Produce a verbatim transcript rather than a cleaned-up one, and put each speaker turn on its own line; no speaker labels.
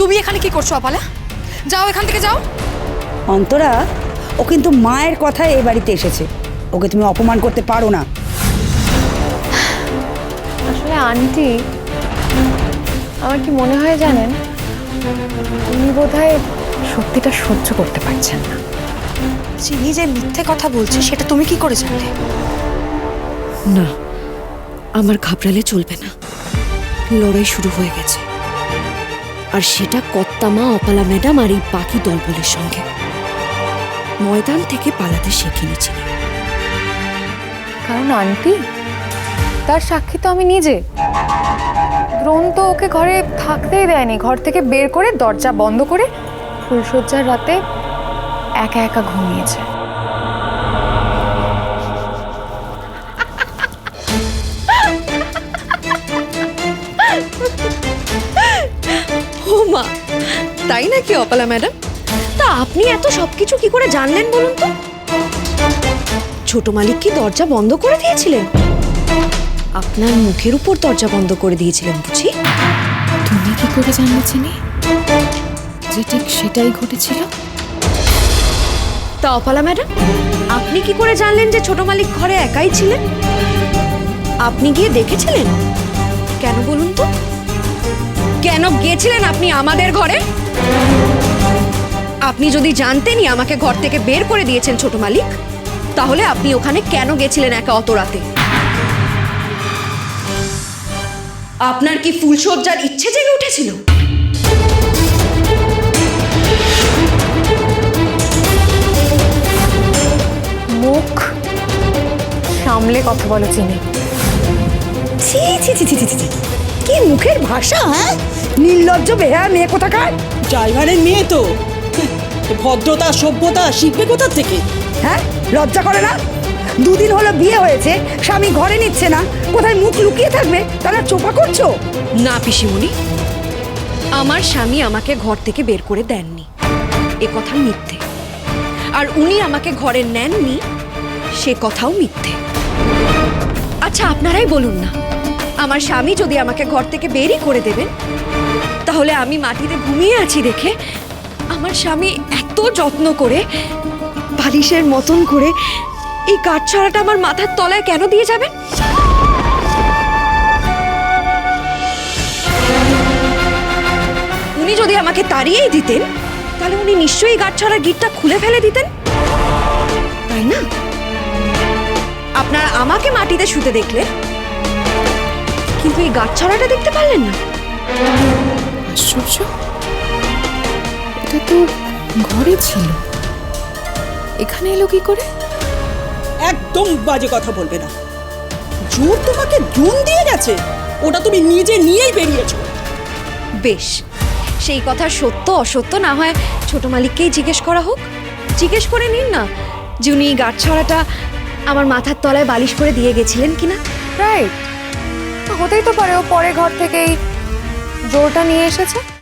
তুমি এখানে কি করছো অপালা? যাও এখান থেকে যাও।
অন্তরা, ও কিন্তু মায়ের কথায় এই বাড়িতে এসেছে, ওকে তুমি অপমান করতে পারো না।
আসলে আন্টি, আমার কি মনে হয় জানেন, উনি বোধহয় সত্যিটা সহ্য করতে পারছেন না।
চিনি যে মিথ্যে কথা বলছে সেটা তুমি কি করে জানলে?
না, আমার ঘাবড়ালে চলবে না। লড়াই শুরু হয়ে গেছে, আর সেটা কর্তামা, অপালা ম্যাডাম আর এই বাকি দলবলের সঙ্গে। ময়দান থেকে পালাতে শিখে নিয়েছিল।
কারণ আন্টি, তার সাক্ষী তো আমি নিজে। দ্রোণ তো ওকে ঘরে থাকতেই দেয়নি, ঘর থেকে বের করে দরজা বন্ধ করে ফুলশয্যার রাতে একা একা ঘুমিয়েছে।
ও মা, তাই নাকি অপালা ম্যাডাম? তা আপনি এত সবকিছু কি করে জানলেন বলুন তো? ছোট মালিক কি দরজা বন্ধ করে দিয়েছিলেন? আপনার মুখের উপর দরজা বন্ধ করে দিয়েছিলেন বুঝি?
তুমি কি করে জানলে চিনি যে ঠিক সেটাই ঘটেছিল?
তা অপালা ম্যাডাম, আপনি কি করে জানলেন যে ছোট মালিক ঘরে একাই ছিলেন? আপনি গিয়ে দেখেছিলেন? কেন বলুন তো? কেন গিয়েছিলেন আপনি আমাদের ঘরে? আপনি যদি জানতেনই আমাকে ঘর থেকে বের করে দিয়েছেন ছোট মালিক, তাহলে আপনি ওখানে কেন গেছিলেন একা অত রাতে? আপনার কি ফুলশয্যার ইচ্ছে জেগে উঠেছিল?
মুখ সামলে কথা বলো চিনি।
ছি ছি ছি ছি ছি ছি, কি মুখের ভাষা! হ্যাঁ, নির্লজ্জ বেহা মেয়ে কোথাকার!
ড্রাইভারের মেয়ে তো ভদ্রতা সভ্যতা শিখবে কোথা থেকে?
হ্যাঁ, লজ্জা করে না? দুদিন হলো বিয়ে হয়েছে, স্বামী ঘরে নিচ্ছে না, কোথায় মুখ লুকিয়ে থাকবে তারা চোপা করছো?
না পিসিমণি, আমার স্বামী আমাকে ঘর থেকে বের করে দেননি, এ কথা মিথ্যে। আর উনি আমাকে ঘরে নেননি, সে কথাও মিথ্যে। আচ্ছা আপনারাই বলুন না, আমার স্বামী যদি আমাকে ঘর থেকে বেরই করে দেবেন, তাহলে আমি মাটিতে ঘুমিয়ে আছি দেখে আমার স্বামী এত যত্ন করে বালিশের মতন করে এই কাঠছড়াটা আমার মাথার তলায় কেন দিয়ে যাবেন? উনি যদি আমাকে তাড়িয়েই দিতেন, তাহলে উনি নিশ্চয়ই গাঁটছড়ার গিটটা খুলে ফেলে দিতেন, তাই না? আপনারা আমাকে মাটিতে শুতে দেখলেন, কিন্তু এই গাঁটছড়াটা দেখতে পারলেন না।
আশ্চর্য, এটা তো ঘরে ছিল, এখানে এলো কি করে?
একদম বাজে কথা বলবে না। জোর তোমাকে জুন দিয়ে গেছে, ওটা তুমি নিজে নিয়েই বেরিয়েছো।
বেশ, সেই কথা সত্য অসত্য না হয় ছোট মালিককেই জিজ্ঞেস করা হোক। জিজ্ঞেস করে নিন না যে উনি এই গাঁটছড়াটা আমার মাথার তলায় বালিশ করে দিয়ে গেছিলেন কিনা।
রাইট, হতেই তো পারে ও পরে ঘর থেকেই জোরটা নিয়ে এসেছে।